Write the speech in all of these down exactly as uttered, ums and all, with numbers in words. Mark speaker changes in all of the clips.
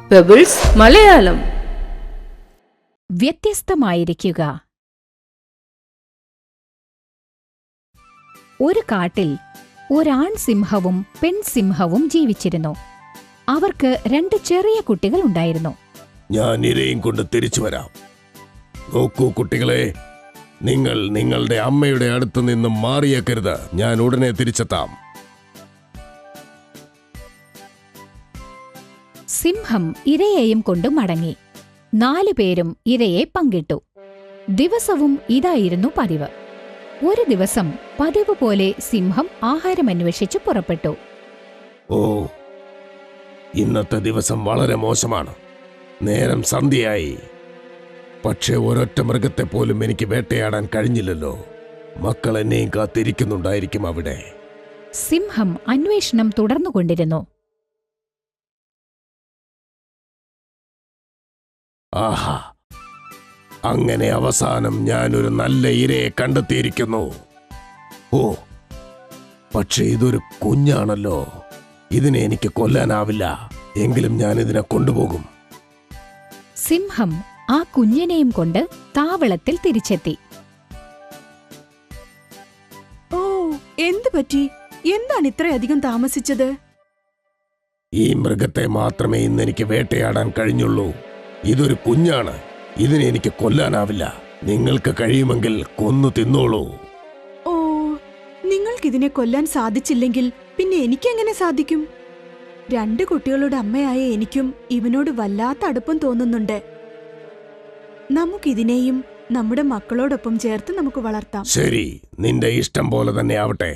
Speaker 1: Pebbles Malayalam.
Speaker 2: വ്യത്യസ്തമായിരിക്കുക. ഒരു കാട്ടിൽ ഒരാൺ സിംഹവും പെൺസിംഹവും ജീവിച്ചിരുന്നു. അവർക്ക് രണ്ട് ചെറിയ കുട്ടികൾ ഉണ്ടായിരുന്നു.
Speaker 3: ഞാൻ ഇരയും കൊണ്ട് തിരിച്ചു വരാം. നോക്കൂ കുട്ടികളെ, നിങ്ങൾ നിങ്ങളുടെ അമ്മയുടെ അടുത്ത് നിന്നും മാറിയേക്കരുത്. ഞാൻ ഉടനെ തിരിച്ചെത്താം.
Speaker 2: സിംഹം ഇരയെയും കൊണ്ട് മടങ്ങി. നാലുപേരും ഇരയെ പങ്കിട്ടു. ദിവസവും ഇതായിരുന്നു പതിവ്. ഒരു ദിവസം പതിവ് പോലെ സിംഹം ആഹാരമന്വേഷിച്ചു പുറപ്പെട്ടു.
Speaker 3: ഓ, ഇന്നത്തെ ദിവസം വളരെ മോശമാണ്. നേരം സന്ധ്യയായി. പക്ഷേ ഒരൊറ്റ മൃഗത്തെ പോലും എനിക്ക് വേട്ടയാടാൻ കഴിഞ്ഞില്ലല്ലോ. മക്കൾ എന്നെയും കാത്തിരിക്കുന്നുണ്ടായിരിക്കും അവിടെ.
Speaker 2: സിംഹം അന്വേഷണം തുടർന്നുകൊണ്ടിരുന്നു.
Speaker 3: ആഹാ, അങ്ങനെ അവസാനം ഞാനൊരു നല്ല ഇരയെ കണ്ടെത്തിയിരിക്കുന്നു. ഓ, പക്ഷേ ഇതൊരു കുഞ്ഞാണല്ലോ. ഇതിനെ എനിക്ക് കൊല്ലാനാവില്ല. എങ്കിലും ഞാൻ ഇതിനെ കൊണ്ടുപോകും.
Speaker 2: സിംഹം ആ കുഞ്ഞിനെയും കൊണ്ട് താവളത്തിൽ തിരിച്ചെത്തി.
Speaker 4: ഓ, എന്തു പറ്റി? എന്താണ് ഇത്രയധികം താമസിച്ചത്?
Speaker 3: ഈ മൃഗത്തെ മാത്രമേ ഇന്ന് എനിക്ക് വേട്ടയാടാൻ കഴിഞ്ഞുള്ളൂ. ഇതൊരു കുഞ്ഞാണ്. ഇതിനെ എനിക്ക് കൊല്ലാനാവില്ല. നിങ്ങൾക്ക് കഴിയുമെങ്കിൽ കൊന്നു തിന്നോളൂ.
Speaker 4: ഓ, നിങ്ങൾക്കിതിനെ കൊല്ലാൻ സാധിച്ചില്ലെങ്കിൽ പിന്നെ എനിക്കെങ്ങനെ സാധിക്കും? രണ്ട് കുട്ടികളുടെ അമ്മയായ എനിക്കും ഇവനോട് വല്ലാത്ത അടുപ്പം തോന്നുന്നുണ്ട്. നമുക്കിതിനെയും നമ്മുടെ മക്കളോടൊപ്പം ചേർത്ത് നമുക്ക് വളർത്താം.
Speaker 3: ശരി, നിന്റെ ഇഷ്ടം പോലെ തന്നെ ആവട്ടെ.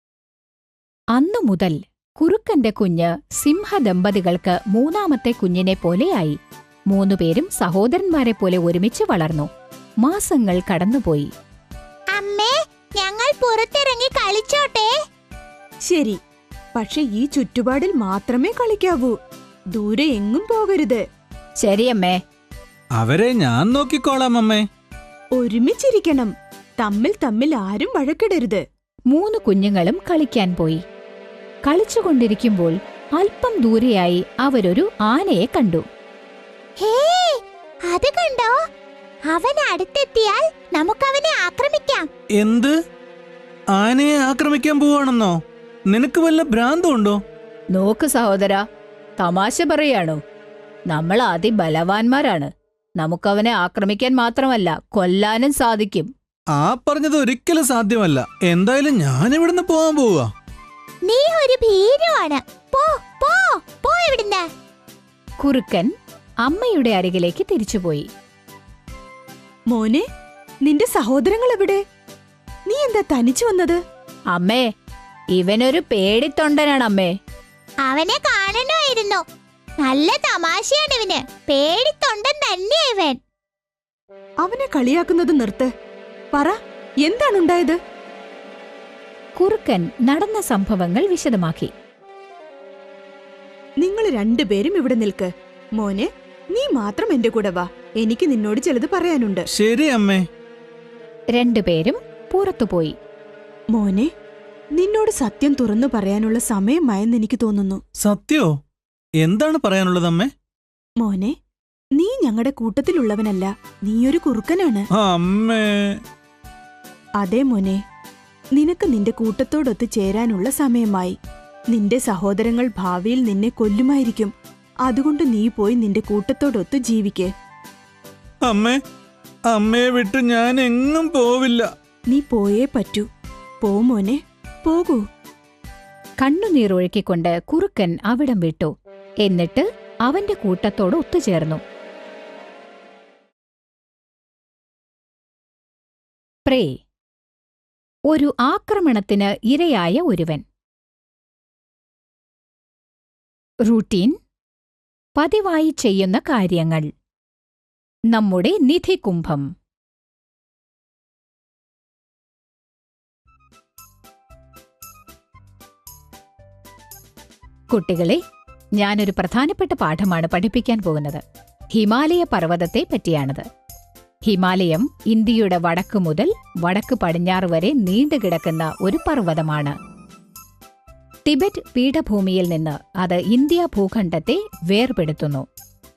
Speaker 2: അന്നു മുതൽ കുറുക്കന്റെ കുഞ്ഞ് സിംഹദമ്പതികൾക്ക് മൂന്നാമത്തെ കുഞ്ഞിനെ പോലെയായി. മൂന്നുപേരും സഹോദരന്മാരെ പോലെ ഒരുമിച്ച് വളർന്നു. മാസങ്ങൾ കടന്നുപോയി.
Speaker 5: അമ്മേ, ഞങ്ങൾ പുറത്തിറങ്ങി കളിച്ചോട്ടെ?
Speaker 4: ശരി, പക്ഷെ ഈ ചുറ്റുപാടിൽ മാത്രമേ കളിക്കാവൂ. ദൂരെ എങ്ങും പോകരുത്.
Speaker 2: ശരിയമ്മേ.
Speaker 6: അവരെ ഞാൻ നോക്കിക്കോളാം അമ്മേ.
Speaker 4: ഒരുമിച്ചിരിക്കണം. തമ്മിൽ തമ്മിൽ ആരും വഴക്കിടരുത്.
Speaker 2: മൂന്ന് കുഞ്ഞുങ്ങളും കളിക്കാൻ പോയി. കളിച്ചുകൊണ്ടിരിക്കുമ്പോൾ അല്പം ദൂരെയായി അവരൊരു ആനയെ കണ്ടു.
Speaker 5: ഹേ, അത് കണ്ടോ? അവൻ അടുത്തെത്തിയാൽ നമുക്കവനെ ആക്രമിക്കാം.
Speaker 6: എന്ത്? ആനയെ ആക്രമിക്കാൻ പോവാണെന്നോ? നിനക്ക് വല്ല ഭ്രാന്തമുണ്ടോ?
Speaker 2: നോക്ക് സഹോദര, തമാശ പറയാണോ? നമ്മൾ അതിബലവാന്മാരാണ്. നമുക്കവനെ ആക്രമിക്കാൻ മാത്രമല്ല, കൊല്ലാനും സാധിക്കും.
Speaker 6: ആ പറഞ്ഞത് ഒരിക്കലും സാധ്യമല്ല. എന്തായാലും ഞാനിവിടുന്ന് പോവാൻ പോവാ.
Speaker 5: നീ ഒരു ഭീരുവാണ്. പോ പോ പോ ഇവിടുന്ന്.
Speaker 2: കുറുക്കൻ അമ്മയുടെ അരികിലേക്ക് തിരിച്ചുപോയി.
Speaker 4: മോനെ, നിന്റെ സഹോദരങ്ങൾ എവിടെ? നീ എന്താ തനിച്ചു വന്നത്?
Speaker 2: അമ്മേ, ഇവനൊരു പേടിത്തൊണ്ടനാണ് അമ്മേ.
Speaker 5: അവനെ കാണണമായിരുന്നു. നല്ല തമാശയാണ് ഇവന്. പേടിത്തൊണ്ടൻ തന്നെയാ ഇവൻ.
Speaker 4: അവനെ കളിയാക്കുന്നത് നിർത്ത്. പറ, എന്താണുണ്ടായത്?
Speaker 2: കുറുക്കൻ നടന്ന സംഭവങ്ങൾ വിശദമാക്കി.
Speaker 4: നിങ്ങൾ രണ്ടുപേരും ഇവിടെ നിൽക്ക്. മോനെ, നീ മാത്രം എന്റെ കൂടെ വാ. എനിക്ക് നിന്നോട് ചിലത് പറയാനുണ്ട്.
Speaker 6: ശരി അമ്മേ.
Speaker 2: രണ്ടുപേരും പുറത്തുപോയി.
Speaker 4: മോനെ, നിന്നോട് സത്യം തുറന്നു പറയാനുള്ള സമയമായെന്ന് എനിക്ക് തോന്നുന്നു.
Speaker 6: സത്യോ? എന്താണ് പറയാനുള്ളത് അമ്മേ?
Speaker 4: മോനെ, നീ ഞങ്ങളുടെ കൂട്ടത്തിലുള്ളവനല്ല. നീയൊരു കുറുക്കനാണ്.
Speaker 6: അമ്മേ.
Speaker 4: അതെ മോനെ, നിനക്ക് നിന്റെ കൂട്ടത്തോടൊത്ത് ചേരാനുള്ള സമയമായി. നിന്റെ സഹോദരങ്ങൾ ഭാവിയിൽ നിന്നെ കൊല്ലുമായിരിക്കും. അതുകൊണ്ട് നീ പോയി നിന്റെ കൂട്ടത്തോടൊത്ത് ജീവിക്ക്.
Speaker 6: അമ്മേ, അമ്മയെ വിട്ട് ഞാൻ എങ്ങും പോവില്ല.
Speaker 4: നീ പോയേ പറ്റൂ. പോ മോനെ, പോകൂ.
Speaker 2: കണ്ണുനീരൊഴുക്കിക്കൊണ്ട് കുറുക്കൻ അവിടം വിട്ടു. എന്നിട്ട് അവന്റെ കൂട്ടത്തോട് ഒത്തുചേർന്നു. പ്രേ. ഒരു ആക്രമണത്തിന് ഇരയായ ഒരുവൻ. റൂട്ടീൻ. പതിവായി ചെയ്യുന്ന കാര്യങ്ങൾ. നമ്മുടെ നിധികുംഭം. കുട്ടികളെ, ഞാനൊരു പ്രധാനപ്പെട്ട പാഠമാണ് പഠിപ്പിക്കാൻ പോകുന്നത്. ഹിമാലയ പർവ്വതത്തെ പറ്റിയാണത്. ഹിമാലയം ഇന്ത്യയുടെ വടക്കു മുതൽ വടക്ക് പടിഞ്ഞാറ് വരെ നീണ്ടുകിടക്കുന്ന ഒരു പർവ്വതമാണ്. ടിബറ്റ് പീഠഭൂമിയിൽ നിന്ന് അത് ഇന്ത്യ ഭൂഖണ്ഡത്തെ വേർപെടുത്തുന്നു.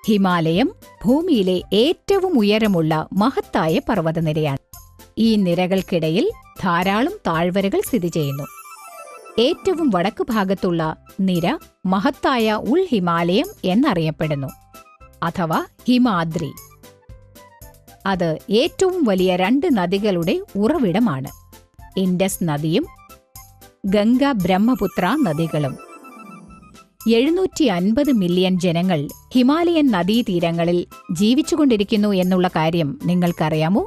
Speaker 2: ഹിമാലയം ഭൂമിയിലെ ഏറ്റവും ഉയരമുള്ള മഹത്തായ പർവ്വതനിരയാണ്. ഈ നിരകൾക്കിടയിൽ ധാരാളം താഴ്വരകൾ സ്ഥിതി ചെയ്യുന്നു. ഏറ്റവും വടക്കു ഭാഗത്തുള്ള നിര മഹത്തായ ഉൾ ഹിമാലയം എന്നറിയപ്പെടുന്നു, അഥവാ ഹിമാദ്രി. അത് ഏറ്റവും വലിയ രണ്ട് നദികളുടെ ഉറവിടമാണ്, ഇൻഡസ് നദിയും ഗംഗ ബ്രഹ്മപുത്ര നദികളും. എഴുന്നൂറ്റി അൻപത് മില്യൺ ജനങ്ങൾ ഹിമാലയൻ നദീതീരങ്ങളിൽ ജീവിച്ചുകൊണ്ടിരിക്കുന്നു എന്നുള്ള കാര്യം നിങ്ങൾക്കറിയാമോ?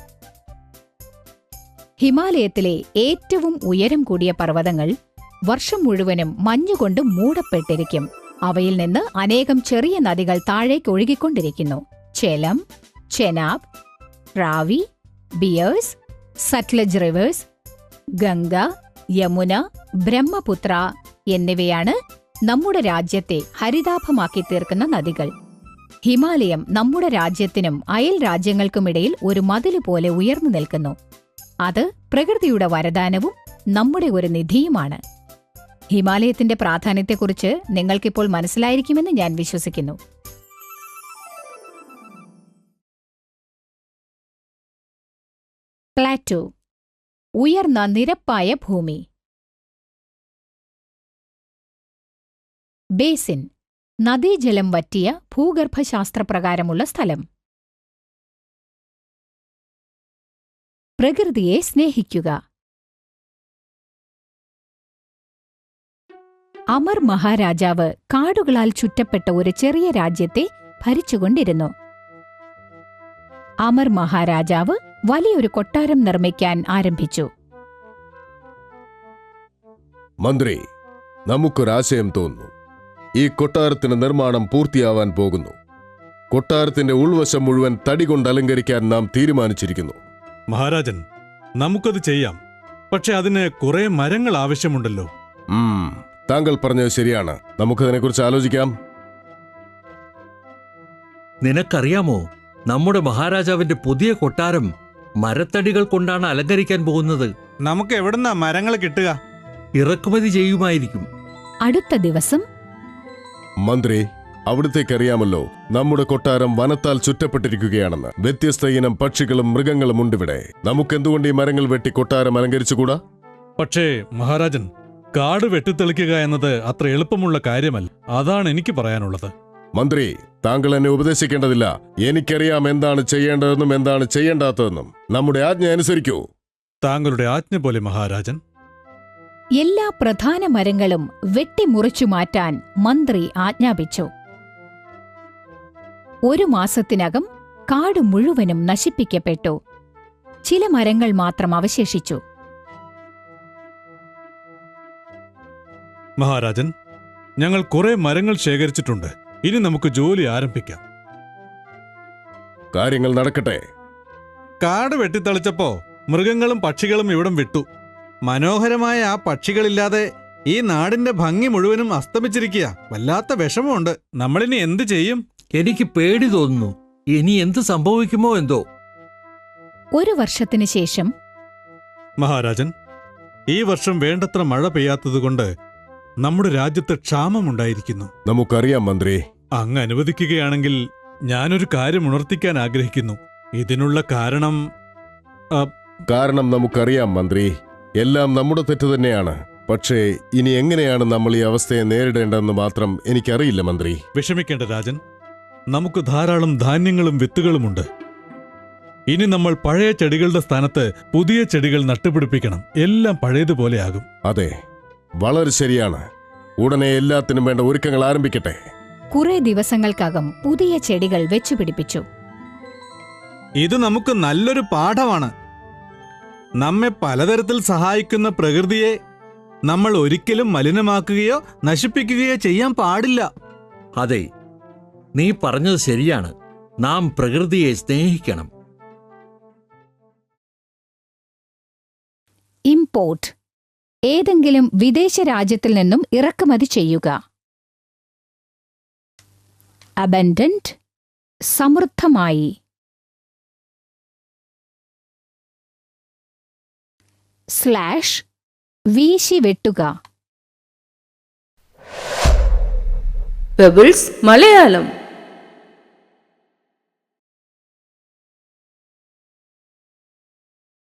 Speaker 2: ഹിമാലയത്തിലെ ഏറ്റവും ഉയരം കൂടിയ പർവ്വതങ്ങൾ വർഷം മുഴുവനും മഞ്ഞുകൊണ്ട് മൂടപ്പെട്ടിരിക്കും. അവയിൽ നിന്ന് അനേകം ചെറിയ നദികൾ താഴേക്ക് ഒഴുകിക്കൊണ്ടിരിക്കുന്നു. ചെലം, ചെനാബ്, റാവി, ബിയേഴ്സ്, സത്ലജ് റിവേഴ്സ്, ഗംഗ, യമുന, ബ്രഹ്മപുത്ര എന്നിവയാണ് നമ്മുടെ രാജ്യത്തെ ഹരിതാഭമാക്കി തീർക്കുന്ന നദികൾ. ഹിമാലയം നമ്മുടെ രാജ്യത്തിനും അയൽ രാജ്യങ്ങൾക്കുമിടയിൽ ഒരു മതില് പോലെ ഉയർന്നു നിൽക്കുന്നു. അത് പ്രകൃതിയുടെ വരദാനവും നമ്മുടെ ഒരു നിധിയുമാണ്. ഹിമാലയത്തിന്റെ പ്രാധാന്യത്തെക്കുറിച്ച് നിങ്ങൾക്കിപ്പോൾ മനസ്സിലായിരിക്കുമെന്ന് ഞാൻ വിശ്വസിക്കുന്നു. പ്ലാറ്റോ, ഉയർന്ന നിരപ്പായ ഭൂമി. ബേസിൻ, നദീജലം വറ്റിയ ഭൂഗർഭശാസ്ത്രപ്രകാരമുള്ള സ്ഥലം. പ്രകൃതിയെ സ്നേഹിക്കുക. അമർ മഹാരാജാവ് കാടുകളാൽ ചുറ്റപ്പെട്ട ഒരു ചെറിയ രാജ്യത്തെ ഭരിച്ചുകൊണ്ടിരുന്നു. അമർ മഹാരാജാവ് വലിയൊരു കൊട്ടാരം നിർമ്മിക്കാൻ ആരംഭിച്ചു.
Speaker 3: മന്ത്രി, നമുക്കൊരാശയം തോന്നുന്നു. ഈ കൊട്ടാരത്തിന് നിർമ്മാണം പൂർത്തിയാവാൻ പോകുന്നു. കൊട്ടാരത്തിന്റെ ഉൾവശം മുഴുവൻ തടി കൊണ്ട് അലങ്കരിക്കാൻ നാം തീരുമാനിച്ചിരിക്കുന്നു.
Speaker 1: മഹാരാജൻ, നമുക്കത് ചെയ്യാം. പക്ഷെ അതിന് കുറെ മരങ്ങൾ ആവശ്യമുണ്ടല്ലോ.
Speaker 3: ഉം, താങ്കൾ പറഞ്ഞത് ശരിയാണ്. നമുക്കതിനെക്കുറിച്ച് ആലോചിക്കാം.
Speaker 7: നിനക്കറിയാമോ, നമ്മുടെ മഹാരാജാവിന്റെ പുതിയ കൊട്ടാരം മരത്തടികൾ കൊണ്ടാണ് അലങ്കരിക്കാൻ പോകുന്നത്.
Speaker 1: നമുക്ക് എവിടുന്നാ മരങ്ങൾ കിട്ടുക?
Speaker 7: ഇറക്കുമതി ചെയ്യുമായിരിക്കും.
Speaker 2: അടുത്ത ദിവസം
Speaker 3: മന്ത്രി, അവിടത്തേക്കറിയാമല്ലോ, നമ്മുടെ കൊട്ടാരം വനത്താൽ ചുറ്റപ്പെട്ടിരിക്കുകയാണെന്ന്. വ്യത്യസ്ത ഇനം പക്ഷികളും മൃഗങ്ങളും ഉണ്ടിവിടെ. നമുക്കെന്തുകൊണ്ട് ഈ മരങ്ങൾ വെട്ടി കൊട്ടാരം അലങ്കരിച്ചുകൂടാ?
Speaker 1: പക്ഷേ മഹാരാജൻ, കാട് വെട്ടിത്തെളിക്കുക എന്നത് അത്ര എളുപ്പമുള്ള കാര്യമല്ല. അതാണ് എനിക്ക് പറയാനുള്ളത്.
Speaker 3: മന്ത്രി, താങ്കൾ എന്നെ ഉപദേശിക്കേണ്ടതില്ല. എനിക്കറിയാം എന്താണ് ചെയ്യേണ്ടതെന്നും എന്താണ് ചെയ്യേണ്ടാത്തതെന്നും. നമ്മുടെ ആജ്ഞ അനുസരിക്കൂ.
Speaker 1: താങ്കളുടെ ആജ്ഞ പോലെ മഹാരാജൻ.
Speaker 2: എല്ലാ പ്രധാന മരങ്ങളും വെട്ടിമുറിച്ചു മാറ്റാൻ മന്ത്രി ആജ്ഞാപിച്ചു. ഒരു മാസത്തിനകം കാട് മുഴുവനും നശിപ്പിക്കപ്പെട്ടു. ചില മരങ്ങൾ മാത്രം അവശേഷിച്ചു.
Speaker 1: മഹാരാജൻ, ഞങ്ങൾ കുറെ മരങ്ങൾ ശേഖരിച്ചിട്ടുണ്ട്. ഇനി നമുക്ക് ജോലി ആരംഭിക്കാം.
Speaker 3: കാര്യങ്ങൾ നടക്കട്ടെ.
Speaker 1: കാട് വെട്ടിത്തെളിച്ചപ്പോ മൃഗങ്ങളും പക്ഷികളും ഇവിടം വിട്ടു. മനോഹരമായ ആ പക്ഷികളില്ലാതെ ഈ നാടിന്റെ ഭംഗി മുഴുവനും അസ്തമിച്ചിരിക്കുക. വല്ലാത്ത വിഷമമുണ്ട്. നമ്മളിനി എന്ത് ചെയ്യും?
Speaker 7: എനിക്ക് പേടി തോന്നുന്നു. ഇനി എന്ത് സംഭവിക്കുമോ എന്തോ.
Speaker 2: ഒരു വർഷത്തിനു ശേഷം
Speaker 1: മഹാരാജൻ, ഈ വർഷം വേണ്ടത്ര മഴ പെയ്യാത്തതുകൊണ്ട് നമ്മുടെ രാജ്യത്ത് ക്ഷാമമുണ്ടായിരിക്കുന്നു.
Speaker 3: നമുക്കറിയാം മന്ത്രി.
Speaker 1: അങ്ങ് അനുവദിക്കുകയാണെങ്കിൽ ഞാനൊരു കാര്യം ഉണർത്തിക്കാൻ ആഗ്രഹിക്കുന്നു. ഇതിനുള്ള കാരണം
Speaker 3: കാരണം നമുക്കറിയാം മന്ത്രി. എല്ലാം നമ്മുടെ തെറ്റ് തന്നെയാണ്. പക്ഷേ ഇനി എങ്ങനെയാണ് നമ്മൾ ഈ അവസ്ഥയെ നേരിടേണ്ടതെന്ന് മാത്രം എനിക്കറിയില്ല മന്ത്രി.
Speaker 1: വിഷമിക്കേണ്ട രാജൻ, നമുക്ക് ധാരാളം ധാന്യങ്ങളും വിത്തുകളുമുണ്ട്. ഇനി നമ്മൾ പഴയ ചെടികളുടെ സ്ഥാനത്ത് പുതിയ ചെടികൾ നട്ടുപിടിപ്പിക്കണം. എല്ലാം പഴയതുപോലെയാകും.
Speaker 3: അതെ, വളരെ ശരിയാണ്. ഉടനെ എല്ലാത്തിനും വേണ്ട ഒരുക്കങ്ങൾ ആരംഭിക്കട്ടെ.
Speaker 2: കുറെ ദിവസങ്ങൾക്കകം പുതിയ ചെടികൾ വെച്ചുപിടിപ്പിച്ചു.
Speaker 1: ഇത് നമുക്ക് നല്ലൊരു പാഠമാണ്. നമ്മെ പലതരത്തിൽ സഹായിക്കുന്ന പ്രകൃതിയെ നമ്മൾ ഒരിക്കലും മലിനമാക്കുകയോ നശിപ്പിക്കുകയോ ചെയ്യാൻ പാടില്ല.
Speaker 7: അതെ, നീ പറഞ്ഞത് ശരിയാണ്. നാം പ്രകൃതിയെ സ്നേഹിക്കണം.
Speaker 2: ഇംപോർട്ട്, ഏതെങ്കിലും വിദേശ രാജ്യത്തിൽ നിന്നും ഇറക്കുമതി ചെയ്യുക. അബൻഡന്റ്, സമൃദ്ധമായി. സ്ലാഷ്, വീശി വെട്ടുക.
Speaker 8: പെബിൾസ് മലയാളം.